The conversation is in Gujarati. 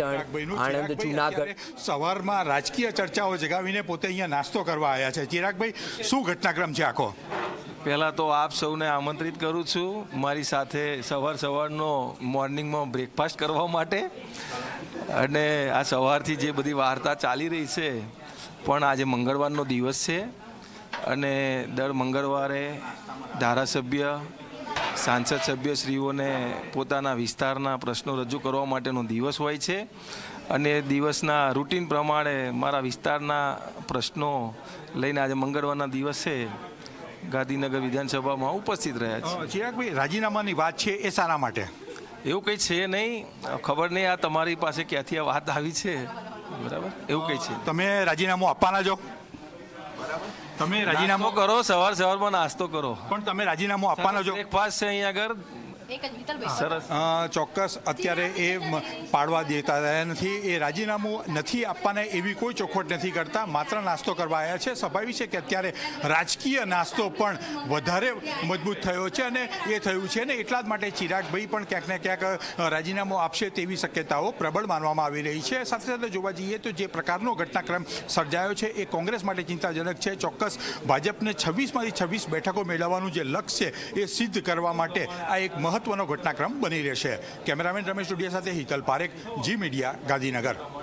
પાટણ, આણંદ, જૂનાગઢ. સવારમાં રાજકીય ચર્ચાઓ જગાવીને પોતે અહીંયા નાસ્તો કરવા આવ્યા છે. ચિરાગભાઈ, શું ઘટનાક્રમ છે આખો? પહેલાં તો આપ સૌને આમંત્રિત કરું છું મારી સાથે સવારનો મોર્નિંગમાં બ્રેકફાસ્ટ કરવા માટે. અને આ સવારથી જે બધી વાર્તા ચાલી રહી છે, પણ આજે મંગળવારનો દિવસ છે અને દર મંગળવારે ધારાસભ્ય, સાંસદ સભ્યશ્રીઓને પોતાના વિસ્તારના પ્રશ્નો રજૂ કરવા માટેનો દિવસ હોય છે. અને દિવસના રૂટીન પ્રમાણે મારા વિસ્તારના પ્રશ્નો લઈને આજે મંગળવારના દિવસે ગાંધીનગર વિધાનસભામાં ઉપસ્થિત રહ્યા છે. ચિરાગભાઈ, રાજીનામાની વાત છે એ શાના માટે? એવું કંઈ છે નહીં, ખબર નહીં આ તમારી પાસે ક્યાંથી આ વાત આવી છે. બરાબર, એવું કંઈ છે. તમે રાજીનામું આપવાના છો? તમે રાજીનામું કરો, સવારમાં નાસ્તો કરો, પણ તમે રાજીનામું આપવાના છો? બ્રેકફાસ્ટ છે અહીંયા આગળ. સરસ. ચોક્કસ અત્યારે એ પાડવા દેતા રહ્યા નથી. એ રાજીનામું નથી આપવાના એવી કોઈ ચોખવટ નથી કરતા, માત્ર નાસ્તો કરવા આવ્યા છે. સ્વાભાવિક છે કે અત્યારે રાજકીય નાસ્તો પણ વધારે મજબૂત થયો છે અને એ થયું છે ને એટલા જ માટે ચિરાગભાઈ પણ ક્યાંક ને ક્યાંક રાજીનામું આપશે તેવી શક્યતાઓ પ્રબળ માનવામાં આવી રહી છે. સાથે સાથે જોવા જઈએ તો જે પ્રકારનો ઘટનાક્રમ સર્જાયો છે એ કોંગ્રેસ માટે ચિંતાજનક છે. ચોક્કસ ભાજપને 26માંથી 26 બેઠકો મેળવવાનું જે લક્ષ્ય છે એ સિદ્ધ કરવા માટે આ એક મહત્વનો ઘટનાક્રમ બની રહેશે. કેમેરામેન રમેશ ડુડિયા સાથે હિતલ પારેખ, જી મીડિયા, ગાંધીનગર.